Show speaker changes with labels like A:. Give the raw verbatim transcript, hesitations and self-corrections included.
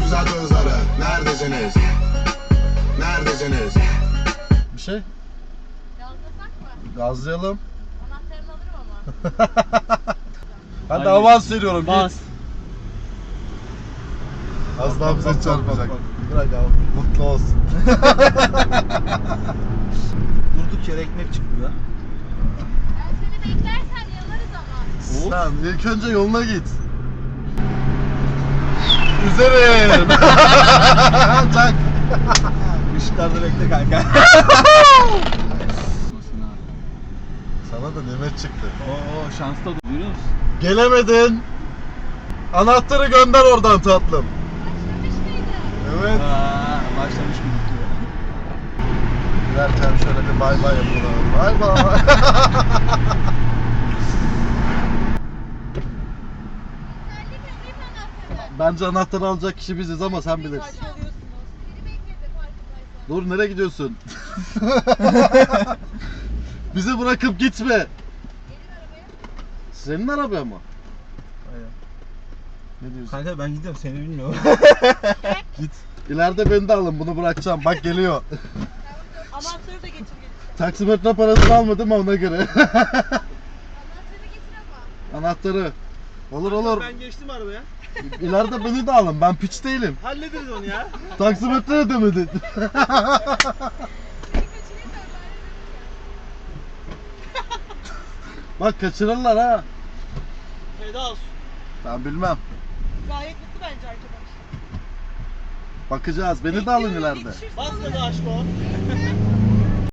A: Uzat hızları. Neredesiniz? Neredesiniz?
B: Bir şey?
C: Gazlasak mı?
B: Gazlayalım.
C: Anahtarını alırım ama.
B: Ben de
D: Haydi.
B: avans veriyorum.
D: Bas.
B: Git. Az daha bize
D: Bak, bak,
B: çarpacak.
D: bak, bak.
B: Bırak abi. Mutlu olsun.
D: Durduk yere ekmek çıktı ya.
C: Ben seni beklersen yanarız ama.
B: Sen ilk önce yoluna git. Üzerim. Çak.
D: Işıklarda bekle kanka.
B: Sana da nimet çıktı.
D: Oo şanslı oldu. Görüyor musun?
B: Gelemedin. Anahtarı gönder oradan tatlım.
C: Başlamış mıydı?
B: Evet.
D: Aa, başlamış gibi diyor.
B: Giderken şöyle bir bay bay yapalım. Bay bay.
C: Özellik ödeyim anahtarı.
B: Bence anahtarı alacak kişi biziz ama sen bilirsin.
C: Saçmalıyorsunuz. Biri bekledi farkındaysan.
B: Dur, nereye gidiyorsun? Bizi bırakıp gitme.
C: Gelin arabaya.
B: Senin araba mı?
D: Aynen.
B: Ne diyorsun?
D: Kanka ben gidiyorum seni bilmiyorum.
B: Git. İleride beni de alın, bunu bırakacağım. Bak geliyor.
C: Anahtarı da getir getir.
B: Taksimetre parasını almadım ama ona göre.
C: Anahtarı getir ama.
B: Anahtarı. Olur olur.
D: Ben geçtim arabaya.
B: İleride beni de alın. Ben piç değilim.
D: Hallederiz onu ya.
B: Taksimetre ödemedin.
C: Seni kaçırayım da ben
B: Bak kaçırırlar ha.
D: Feda olsun.
B: Ben bilmem.
C: Gayet mutlu bence arkadaş.
B: Bakacağız. Beni de alın ileride.
D: Bas gaza aşk o.